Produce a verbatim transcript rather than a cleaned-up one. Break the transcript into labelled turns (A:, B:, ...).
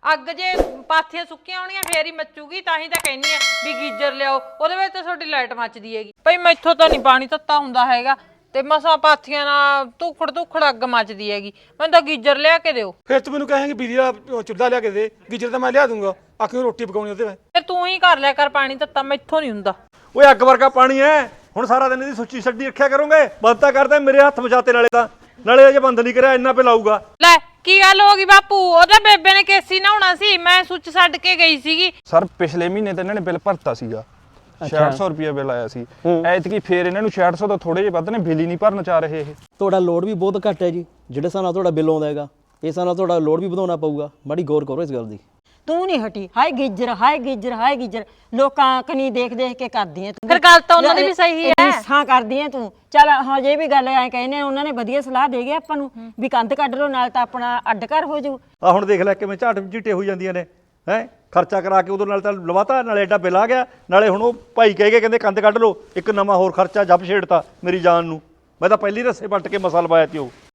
A: ਅੱਗ ਜੇ ਪਾਥੀਆਂ ਸੁੱਕੀਆਂ ਹੋਣੀਆਂ ਫੇਰ ਹੀ ਮੱਚੂਗੀ, ਤਾਂ ਹੀ ਤਾਂ ਕਹਿੰਦੀ ਆ ਵੀ ਗੀਜ਼ਰ ਲਿਆਓ, ਉਹਦੇ ਵਿੱਚ ਤਾਂ ਤੁਹਾਡੀ ਲਾਈਟ ਮੱਚਦੀ ਹੈਗੀ। ਭਈ ਮੈਥੋਂ ਤਾਂ ਨਹੀਂ ਪਾਣੀ ਤੱਤਾ ਹੁੰਦਾ ਹੈਗਾ, ਤੇ ਮਸਾ ਪਾਥੀਆਂ ਨਾਲ ਧੁਖੜ ਧੁਖੜ ਅੱਗ ਮੱਚਦੀ ਹੈਗੀ। ਮੈਨੂੰ ਤਾਂ ਗੀਜ਼ਰ ਲਿਆ ਕੇ ਦਿਓ।
B: ਫਿਰ ਤੂੰ ਮੈਨੂੰ ਕਹੇਂਗੀ ਬਿਜਲੀ ਦਾ ਚੁੱਲ੍ਹਾ ਲਿਆ ਕੇ ਦੇ, ਗੀਜ਼ਰ ਤਾਂ ਮੈਂ ਲਿਆ ਦੂੰਗਾ, ਆਖੀ ਰੋਟੀ ਪਕਾਉਣੀ ਉਹਦੇ ਵਿੱਚ।
A: ਫਿਰ ਤੂੰ ਹੀ ਕਰ ਲਿਆ ਕਰ ਪਾਣੀ ਤੱਤਾ, ਮੈਥੋਂ ਨਹੀਂ ਹੁੰਦਾ।
C: ਓਏ ਅੱਗ ਵਰਗਾ ਪਾਣੀ ਐ, ਹੁਣ ਸਾਰਾ ਦਿਨ ਇਹਦੀ ਸੁੱਚੀ ਛੱਡੀ ਰੱਖਿਆ ਕਰੋਗੇ? ਬੰਦ ਤਾਂ ਕਰਦਾ, ਮੇਰੇ ਹੱਥ ਬਚਾਤੇ ਨਾਲੇ ਤਾਂ, ਨਾਲੇ ਅਜੇ ਬੰਦ ਨਹੀਂ ਕਰਿਆ, ਇੰਨਾ ਪੇ ਲਾਊਗਾ।
A: ਲੈ ਕੀ ਗੱਲ ਹੋ ਗਈ ਬਾਪੂ, ਉਹਦਾ ਬੇਬੇ ਨੇ ਕੇਸੀ ਨਹਾਉਣਾ ਸੀ, ਮੈਂ ਸੁੱਚ ਛੱਡ ਕੇ ਗਈ ਸੀਗੀ।
D: ਸਰ ਪਿਛਲੇ ਮਹੀਨੇ ਤਾਂ ਇਹਨਾਂ ਨੇ ਬਿੱਲ ਭਰਤਾ ਸੀਗਾ, ਛਿਆਹਠ ਸੌ ਰੁਪਏ ਬਿੱਲ ਆਇਆ ਸੀ। ਐਤਕੀ ਫੇਰ ਇਹਨਾਂ ਨੂੰ ਛਿਆਹਠ ਸੌ ਤੋਂ ਥੋੜੇ ਜਿਹੇ ਵੱਧ ਨੇ, ਬਿੱਲ ਹੀ ਨਹੀਂ ਭਰਨ ਚਾਹ ਰਹੇ ਇਹ।
E: ਤੁਹਾਡਾ ਲੋਡ ਵੀ ਬਹੁਤ ਘੱਟ ਹੈ ਜੀ, ਜਿਹੜੇ ਹਿਸਾਬ ਨਾਲ ਤੁਹਾਡਾ ਬਿੱਲ ਆਉਂਦਾ ਹੈਗਾ, ਇਸ ਹਿਸਾਬ ਨਾਲ ਤੁਹਾਡਾ ਲੋਡ ਵੀ ਵਧਾਉਣਾ ਪਊਗਾ। ਮਾੜੀ ਗੌਰ ਕਰੋ ਇਸ ਗੱਲ ਦੀ।
F: ਤੂੰ ਨਹੀਂ ਹਟੀ, ਹਾਏ ਗਿੱਜਰ ਹਾਏ ਗਿੱਜਰ ਹਾਏ ਗਿੱਜਰ, ਲੋਕਾਂ ਕਨੀ ਦੇਖ ਦੇਖ ਕੇ ਕਰਦੀ ਐ ਤੂੰ।
A: ਫਿਰ ਗੱਲ ਤਾਂ ਉਹਨਾਂ ਦੀ ਵੀ ਸਹੀ ਹੈ।
F: ਰੀਸਾਂ ਕਰਦੀ ਐ ਤੂੰ। ਚੱਲ ਹਾਂ ਜੇ ਵੀ ਗੱਲ ਐ ਕਹਿੰਦੇ ਉਹਨਾਂ ਨੇ ਵਧੀਆ ਸਲਾਹ ਦੇ ਗਏ ਆਪਾਂ ਨੂੰ ਵੀ ਕੰਧ ਕੱਢ ਲਓ, ਨਾਲ ਤਾਂ ਆਪਣਾ ਅੱਡ ਘਰ ਹੋ ਜਾਊ।
C: ਆ ਹੁਣ ਦੇਖ ਲੈ ਕਿਵੇਂ ਝਾਟ ਝੀਟੇ ਹੋਈ ਜਾਂਦੀਆਂ ਨੇ ਹੈ, ਖਰਚਾ ਕਰਾ ਕੇ ਉਦੋਂ ਨਾਲ ਤਾਂ ਲਵਾਤਾ, ਨਾਲੇ ਐਡਾ ਬਿੱਲ ਆ ਗਿਆ, ਨਾਲੇ ਹੁਣ ਉਹ ਭਾਈ ਕਹਿ ਕੇ ਕਹਿੰਦੇ ਕੰਧ ਕੱਢ ਲਓ, ਇੱਕ ਨਵਾਂ ਹੋਰ ਖਰਚਾ ਜੱਬ ਛੇੜਤਾ ਮੇਰੀ ਜਾਨ ਨੂੰ। ਮੈਂ ਤਾਂ ਪਹਿਲੀ ਰੱਸੇ ਪੱਟ ਕੇ ਮਸਾ ਲਵਾਇਆ ਤੀ ਉਹ।